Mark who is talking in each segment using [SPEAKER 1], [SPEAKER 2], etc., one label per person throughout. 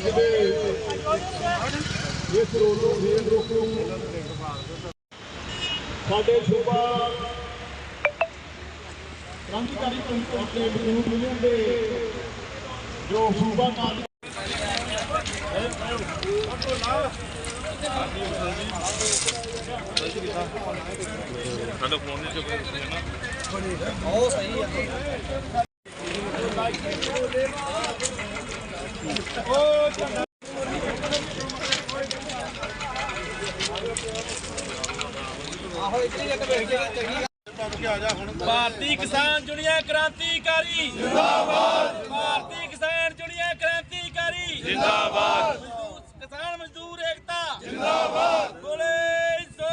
[SPEAKER 1] ਅੱਜ ਦੇ ਇਸ ਰੋਡੋਂ ਰੇਲ ਰੋਕੂ ਸਾਡੇ ਸੂਬਾ क्रांतिकारी मजदूर यूनियन के जो सूबा
[SPEAKER 2] भारतीय किसान यूनियन क्रांतिकारी जिंदाबाद। भारतीय किसान यूनियन क्रांतिकारी जिंदाबाद। किसान मजदूर एकता जिंदाबाद। बोले सो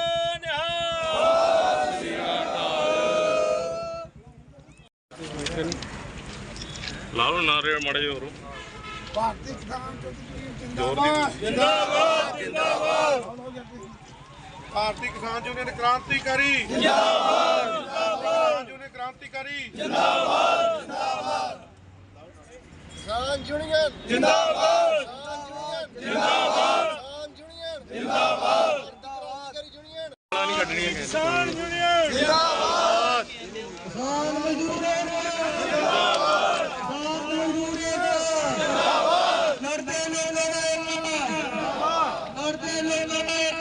[SPEAKER 2] निहाल।
[SPEAKER 3] लालो नारे मड़े और
[SPEAKER 1] भारतीय किसान जिंदाबाद जिंदाबाद जिंदाबाद। भारतीय किसान यूनियन क्रांतिकारी जिंदाबाद जिंदाबाद। यूनियन क्रांतिकारी जिंदाबाद जिंदाबाद। किसान यूनियन जिंदाबाद जिंदाबाद। किसान यूनियन जिंदाबाद। किसान यूनियन जिंदाबाद। किसान मजदूर जिंदाबाद। किसान मजदूर जिंदाबाद। लड़ते लोग लड़ते लोग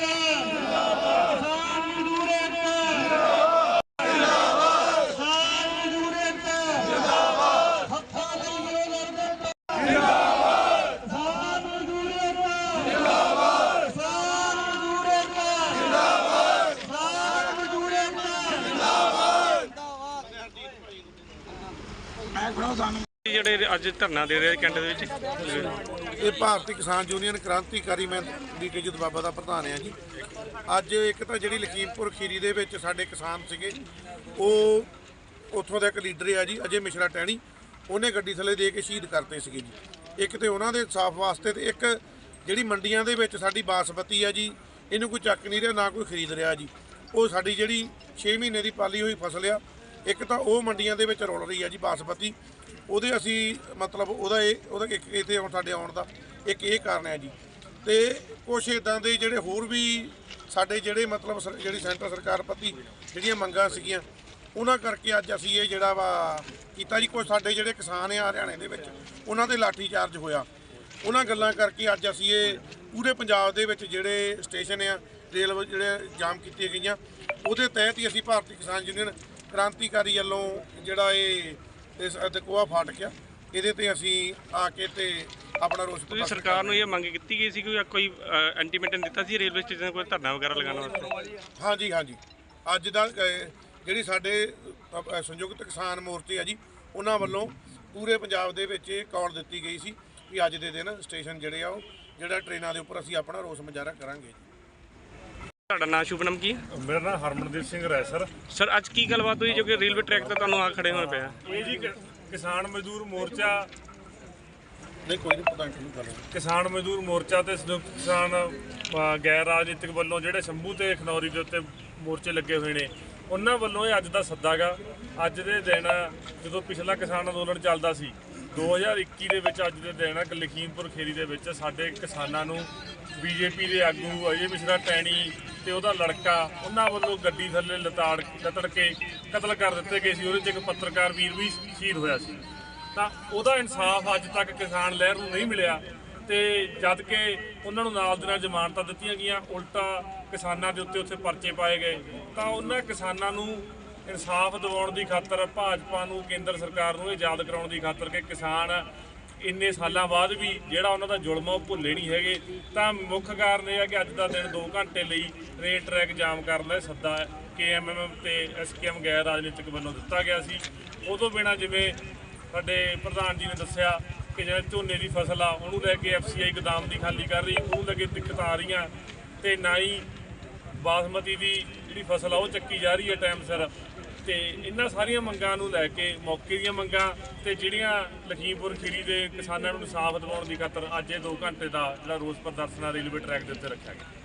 [SPEAKER 3] ਜਿਹੜੇ ਅੱਜ ਧਰਨਾ ਦੇ ਰਹੇ ਕੈਂਟ ਦੇ ਵਿੱਚ
[SPEAKER 1] ਇਹ ਭਾਰਤੀ ਕਿਸਾਨ ਯੂਨੀਅਨ ਕ੍ਰਾਂਤੀਕਾਰੀ ਮੈਂ ਡੀਕੇ ਜਦ ਬਾਬਾ ਦਾ ਪ੍ਰਧਾਨ ਆ ਜੀ। ਅੱਜ ਇੱਕ ਤਾਂ ਜਿਹੜੀ ਲਖੀਮਪੁਰ ਖੀਰੀ ਦੇ ਵਿੱਚ ਸਾਡੇ ਕਿਸਾਨ ਸੀਗੇ, ਉਹ ਉੱਥੋਂ ਦਾ ਇੱਕ ਲੀਡਰ ਆ ਜੀ ਅਜੇ ਮਿਸ਼ਰਾ ਟਹਿਣੀ, ਉਹਨੇ ਗੱਡੀ ਥੱਲੇ ਦੇ ਕੇ ਸ਼ਹੀਦ ਕਰਤੇ ਸੀਗੇ ਜੀ। ਇੱਕ ਤੇ ਉਹਨਾਂ ਦੇ ਇਨਸਾਫ ਵਾਸਤੇ, ਤੇ ਇੱਕ ਜਿਹੜੀ ਮੰਡੀਆਂ ਦੇ ਵਿੱਚ ਸਾਡੀ ਬਾਸਮਤੀ ਆ ਜੀ, ਇਹਨੂੰ ਕੋਈ ਚੱਕ ਨਹੀਂ ਰਿਹਾ, ਨਾ ਕੋਈ ਖਰੀਦ ਰਿਹਾ ਜੀ। ਉਹ ਸਾਡੀ ਜਿਹੜੀ 6 ਮਹੀਨੇ ਦੀ ਪਾਲੀ ਹੋਈ ਫਸਲ ਆ, ਇੱਕ ਤਾਂ ਉਹ ਮੰਡੀਆਂ ਦੇ ਵਿੱਚ ਰੁਲ ਰਹੀ ਆ ਜੀ ਬਾਸਮਤੀ। ਉਹਦੇ ਅਸੀਂ ਮਤਲਬ ਉਹਦਾ ਇੱਕ ਇੱਥੇ ਹੁਣ ਸਾਡੇ ਆਉਣ ਦਾ ਇੱਕ ਇਹ ਕਾਰਨ ਹੈ ਜੀ। ਤੇ ਕੁਛ ਇੱਦਾਂ ਦੇ ਜਿਹੜੇ ਹੋਰ ਵੀ ਸਾਡੇ ਜਿਹੜੇ ਮਤਲਬ ਜਿਹੜੀ ਸੈਂਟਰ ਸਰਕਾਰ ਪ੍ਰਤੀ ਜਿਹੜੀਆਂ ਮੰਗਾਂ ਸੀਗੀਆਂ, ਉਹਨਾਂ ਕਰਕੇ ਅੱਜ ਅਸੀਂ ਇਹ ਜਿਹੜਾ ਵਾ ਕੀਤਾ ਜੀ। ਕੁਛ ਸਾਡੇ ਜਿਹੜੇ ਕਿਸਾਨ ਆ ਹਰਿਆਣੇ ਦੇ ਵਿੱਚ, ਉਹਨਾਂ ਤੇ ਲਾਠੀ ਚਾਰਜ ਹੋਇਆ। ਉਹਨਾਂ ਗੱਲਾਂ ਕਰਕੇ ਅੱਜ ਅਸੀਂ ਇਹ ਪੂਰੇ ਪੰਜਾਬ ਦੇ ਵਿੱਚ ਜਿਹੜੇ ਸਟੇਸ਼ਨ ਆ ਰੇਲ ਜਿਹੜੇ ਜਾਮ ਕੀਤੀਆਂ ਗਈਆਂ, ਉਹਦੇ ਤਹਿਤ ਹੀ ਅਸੀਂ ਭਾਰਤੀ ਕਿਸਾਨ ਯੂਨੀਅਨ ਕ੍ਰਾਂਤੀਕਾਰੀ ਵੱਲੋਂ ਜਿਹੜਾ ਇਹ ਇਸ ਅਦਕੋਆ ਫਾਟਕ ਆ, ਇਹਦੇ ਤੇ ਅਸੀਂ ਆ ਕੇ ਤੇ ਆਪਣਾ ਰੋਸ
[SPEAKER 3] ਤੁਸੀਂ ਸਰਕਾਰ ਨੂੰ ਇਹ ਮੰਗ ਕੀਤੀ ਗਈ ਸੀ ਕਿ ਕੋਈ ਇੰਟੀਮੇਟਮ ਦਿੱਤਾ ਸੀ ਰੇਲਵੇ ਸਟੇਸ਼ਨ ਕੋਈ ਧਰਨਾ ਵਗੈਰਾ ਲਗਾਉਣ ਵਾਸਤੇ?
[SPEAKER 1] ਹਾਂਜੀ ਹਾਂਜੀ। ਅੱਜ ਦਾ ਜਿਹੜੀ ਸਾਡੇ ਸੰਯੁਕਤ ਕਿਸਾਨ ਮੋਰਚੇ ਆ ਜੀ, ਉਹਨਾਂ ਵੱਲੋਂ ਪੂਰੇ ਪੰਜਾਬ ਦੇ ਵਿੱਚ ਇਹ ਕਾਲ ਦਿੱਤੀ ਗਈ ਸੀ ਕਿ ਅੱਜ ਦੇ ਦਿਨ ਸਟੇਸ਼ਨ ਜਿਹੜੇ ਆ ਉਹ ਜਿਹੜਾ ਟ੍ਰੇਨਾਂ ਦੇ ਉੱਪਰ ਅਸੀਂ ਆਪਣਾ ਰੋਸ ਮੁਜ਼ਾਹਰਾ ਕਰਾਂਗੇ।
[SPEAKER 3] ਤੁਹਾਡਾ ਨਾਮ ਸ਼ੁਭ ਨਾਮ ਕੀ ਹੈ?
[SPEAKER 4] ਮੇਰਾ ਨਾਮ ਹਰਮਨਦੀਪ ਸਿੰਘ ਹੈ ਸਰ।
[SPEAKER 3] ਸਰ ਅੱਜ ਕੀ ਗੱਲਬਾਤ ਹੋਈ ਜੋ ਕਿ ਰੇਲਵੇ ਟਰੈਕ ਤੇ ਤੁਹਾਨੂੰ ਆ ਖੜੇ ਹੋਏ ਪਿਆ?
[SPEAKER 4] ਇਹ ਜੀ ਕਿਸਾਨ ਮਜ਼ਦੂਰ ਮੋਰਚਾ
[SPEAKER 1] ਨਹੀਂ ਕੋਈ ਨਹੀਂ ਪਤਾ ਨਹੀਂ ਗੱਲ।
[SPEAKER 4] ਕਿਸਾਨ ਮਜ਼ਦੂਰ ਮੋਰਚਾ ਤੇ ਸੰਯੁਕਤ ਕਿਸਾਨ ਗੈਰ ਰਾਜਨੀਤਿਕ ਵੱਲੋਂ ਜਿਹੜੇ ਸ਼ੰਭੂ ਤੇ ਖਨੌਰੀ ਦੇ ਉੱਤੇ ਮੋਰਚੇ ਲੱਗੇ ਹੋਏ ਨੇ, ਉਹਨਾਂ ਵੱਲੋਂ ਇਹ ਅੱਜ ਦਾ ਸੱਦਾ ਗਾ। ਅੱਜ ਦੇ ਦਿਨ ਜਦੋਂ ਪਿਛਲਾ ਕਿਸਾਨ ਅੰਦੋਲਨ ਚੱਲਦਾ ਸੀ 2021 ਦੇ ਵਿੱਚ, ਅੱਜ ਦੇ ਦਿਨ ਲਖੀਮਪੁਰ ਖੀਰੀ ਦੇ ਵਿੱਚ ਸਾਡੇ ਕਿਸਾਨਾਂ ਨੂੰ ਬੀਜੇਪੀ ਦੇ ਆਗੂ ਅਜੇ ਮਿਸ਼ਰਾ ਟੈਣੀ ਤੇ ਉਹਦਾ ਲੜਕਾ, ਉਹਨਾਂ ਵੱਲੋਂ ਗੱਡੀ ਥੱਲੇ ਲਤੜ ਕੇ ਕਤਲ ਕਰ ਦਿੱਤੇ ਗਏ ਸੀ। ਉਹਦੇ 'ਚ ਇੱਕ ਪੱਤਰਕਾਰ ਵੀਰ ਵੀ ਸ਼ਹੀਦ ਹੋਇਆ ਸੀ। ਤਾਂ ਉਹਦਾ ਇਨਸਾਫ ਅੱਜ ਤੱਕ ਕਿਸਾਨ ਲਹਿਰ ਨੂੰ ਨਹੀਂ ਮਿਲਿਆ, ਤੇ ਜਦ ਕਿ ਉਹਨਾਂ ਨੂੰ ਨਾਲ ਦੇ ਨਾਲ ਜ਼ਮਾਨਤਾਂ ਦਿੱਤੀਆਂ ਗਈਆਂ, ਉਲਟਾ ਕਿਸਾਨਾਂ ਦੇ ਉੱਤੇ ਉੱਥੇ ਪਰਚੇ ਪਾਏ ਗਏ। ਤਾਂ ਉਹਨਾਂ ਕਿਸਾਨਾਂ ਨੂੰ ਇਨਸਾਫ ਦਿਵਾਉਣ ਦੀ ਖਾਤਰ, ਭਾਜਪਾ ਨੂੰ, ਕੇਂਦਰ ਸਰਕਾਰ ਨੂੰ ਇਹ ਯਾਦ ਕਰਾਉਣ ਦੀ ਖਾਤਰ ਕਿ ਕਿਸਾਨ ਇੰਨੇ ਸਾਲਾਂ ਬਾਅਦ ਵੀ ਜਿਹੜਾ ਉਹਨਾਂ ਦਾ ਜ਼ੁਲਮ ਆ ਉਹ ਭੁੱਲੇ ਨਹੀਂ ਹੈਗੇ। ਤਾਂ ਮੁੱਖ ਕਾਰਨ ਇਹ ਹੈ ਕਿ ਅੱਜ ਦਾ ਦਿਨ 2 ਘੰਟੇ ਲਈ ਰੇਲ ਟਰੈਕ ਜਾਮ ਕਰਨ ਦਾ ਸੱਦਾ KMM ਤੇ SKM ਗੈਰ ਰਾਜਨੀਤਿਕ ਵੱਲੋਂ ਦਿੱਤਾ ਗਿਆ ਸੀ। ਉਦੋਂ ਬਿਨਾਂ ਜਿਵੇਂ ਸਾਡੇ ਪ੍ਰਧਾਨ ਜੀ ਨੇ ਦੱਸਿਆ ਕਿ ਜਿਹੜਾ ਝੋਨੇ ਦੀ ਫਸਲ ਆ ਉਹਨੂੰ ਲੈ ਕੇ FCI ਗੋਦਾਮ ਦੀ ਖਾਲੀ ਕਰ ਰਹੀ, ਉਹਨੂੰ ਲੈ ਕੇ ਦਿੱਕਤਾਂ ਆ ਰਹੀਆਂ, ਤੇ ਨਾ ਹੀ ਬਾਸਮਤੀ ਦੀ ਜਿਹੜੀ ਫਸਲ ਆ ਉਹ ਚੱਕੀ ਜਾ ਰਹੀ ਹੈ ਟਾਈਮ ਸਿਰ। ਤੇ ਇਹਨਾਂ ਸਾਰੀਆਂ ਮੰਗਾਂ ਨੂੰ ਲੈ ਕੇ, ਮੌਕੇ ਦੀਆਂ ਮੰਗਾਂ ਤੇ ਜਿਹੜੀਆਂ ਲਖੀਮਪੁਰ ਖੀਰੀ ਦੇ ਕਿਸਾਨਾਂ ਨੂੰ ਇਨਸਾਫ ਦਿਵਾਉਣ ਦੀ ਖਾਤਰ ਅੱਜ ਇਹ 2 ਘੰਟੇ ਦਾ ਜਿਹੜਾ ਰੋਸ ਪ੍ਰਦਰਸ਼ਨ ਰੇਲਵੇ ਟਰੈਕ ਦੇ ਉੱਤੇ ਰੱਖਿਆ ਗਿਆ।